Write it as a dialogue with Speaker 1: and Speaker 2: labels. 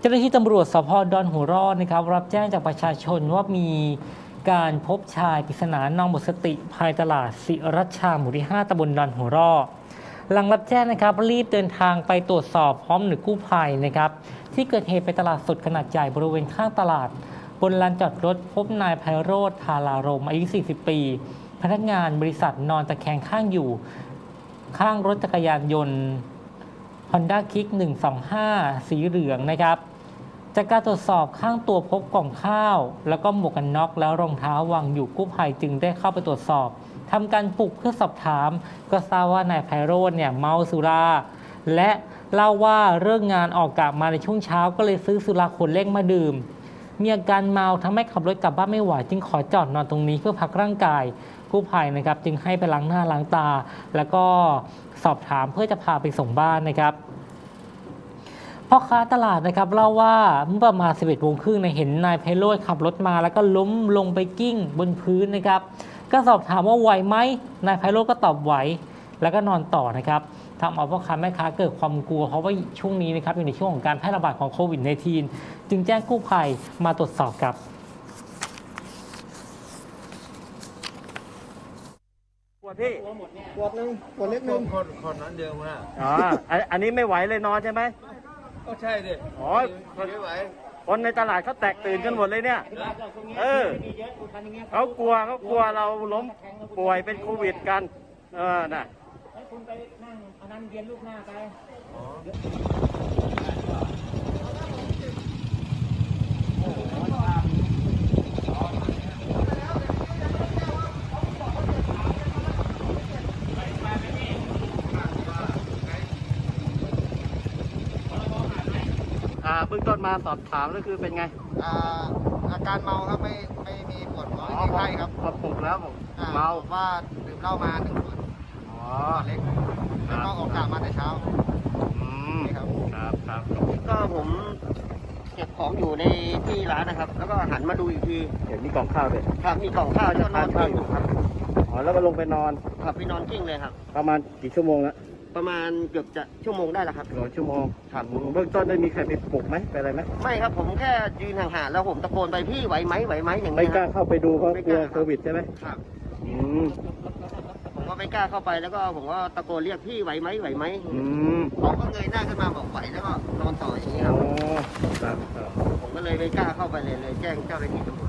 Speaker 1: จ้าหน้าที่ตำรวจสพดอนหัวร่อนะครับรับแจ้งจากประชาชนว่ามีการพบชายปริศนานอนหมดสติภายตลาดศิรัชชาหมู่ที่ 5ตำบลดอนหัวร่อหลังรับแจ้งนะครับรีบเดินทางไปตรวจสอบพร้อมหน่วยกู้ภัยนะครับที่เกิดเหตุเป็นตลาดสดขนาดใหญ่บริเวณข้างตลาดบนลานจอดรถพบนายไพโรจน์ธารารมอายุ 40 ปี พนักงานบริษัทนอนตะแคงข้างอยู่ข้างรถจักรยานยนต์ Honda Kick 125 สีเหลืองนะครับจากการตรวจสอบข้างตัวพบกล่องข้าวแล้วก็หมวกกันน็อกแล้วรองเท้าวางอยู่กู้ภัยจึงได้เข้าไปตรวจสอบทำการปลุกเพื่อสอบถามก็ทราบว่านายไพโรจน์เนี่ยเมาสุราและเล่าว่าเลิกงานออกกลับมาในช่วงเช้าก็เลยซื้อสุราขวดเล็กมาดื่มมีอาการเมาทำให้ขับรถกลับบ้านไม่ไหวจึงขอจอดนอนตรงนี้เพื่อพักร่างกายกู้ภัยนะครับจึงให้ไปล้างหน้าล้างตาแล้วก็สอบถามเพื่อจะพาไปส่งบ้านนะครับพ่อค้าตลาดนะครับเล่าว่าเมื่อประมาณ 11 โมงครึ่งเห็นนายไพโรจน์ขับรถมาแล้วก็ล้มลงไปกิ้งบนพื้นนะครับก็สอบถามว่าไหวไหมนายไพโรจน์ก็ตอบไหวแล้วก็นอนต่อนะครับทำเอาพ่อค้าแม่ค้าเกิดความกลัวเพราะว่าช่วงนี้นะครับอยู่ในช่วงของการแพร่ระบาดของโควิด -19 จึงแจ้งกู้ภัยมาตรวจสอบครับ
Speaker 2: ขวดพี่
Speaker 3: ขวดหนึ่งขวดเล็กหนึ่ง
Speaker 4: คนนั้นเดียวมา
Speaker 2: อ๋ออันนี้ไม่ไหวเลยนอนใช่ไหม
Speaker 4: ก็ใช่ดิ
Speaker 2: อ๋อ
Speaker 4: ไม่ไหว
Speaker 2: คนในตลาดเขาแตกตื่นกันหมดเลยเนี่ยเขากลัวเราล้มป่วยเป็นโควิดกันน่ะ
Speaker 1: คุณไปนั่งเอานั่งเย็นลูกหน้าไป
Speaker 2: เบื้องต้นมาสอบถามก็คือเป็นไง
Speaker 3: อาการเมาครับไม่มีปวดหัวไม่มีไข้ครับ
Speaker 2: พอปลุกแล้วผม
Speaker 3: เมาว่าดื่มเหล้ามา1 ขวด
Speaker 2: อ๋อ
Speaker 3: ขวดเล็กแล้วก็ออกกะมาแต่เช้า
Speaker 2: อืม
Speaker 3: นี่ครับ
Speaker 2: ครับ
Speaker 5: ก็ผมเก็บของอยู่ในที่ร้านนะครับ แล้วก็หันมาดูอีกที
Speaker 2: เห็นมีกล่องข้าวด้วย
Speaker 5: ครับมีกล่องข้าวจะนอนกิ้งอยู่ครับ
Speaker 2: อ๋อแล้วก็ลงไปนอน
Speaker 5: ครับไปนอนกิ้งเลยครับ
Speaker 2: ประมาณกี่ชั่วโมงแล้ว
Speaker 5: ประมาณเกือบจะชั่วโมงได้แล้วครับ
Speaker 2: 2 ชั่วโมง
Speaker 5: ครับ
Speaker 2: เบื้องต้นได้มีใครไปปลุกไหมไปอะไรไหม
Speaker 5: ไม่ครับผมแค่ยืนห่างๆแล้วผมตะโกนไปพี่ไหวไหมอย่าง
Speaker 2: ไม่
Speaker 5: นี้
Speaker 2: กล้า
Speaker 5: ครับ
Speaker 2: เข้าไปดูเพราะ
Speaker 5: ไม่
Speaker 2: ก
Speaker 5: ก
Speaker 2: ลัว
Speaker 5: ล้า
Speaker 2: โควิดใช่ไหม
Speaker 5: ครับ
Speaker 2: อืม
Speaker 5: ผมก็ไม่กล้าเข้าไปแล้วก็ผมก็ตะโกนเรียกพี่ไหวไหม
Speaker 2: อืม
Speaker 5: เขาก็เงยหน้าขึ้นมาบอกไหวแล้วก็นอนต่ออย่างนี้ค
Speaker 2: อ๋
Speaker 5: รั
Speaker 2: อบ ครับ
Speaker 5: ผมก็เลยไม่กล้าเข้าไปเลยแจ้งเจ้าหน้าที่ตำรวจ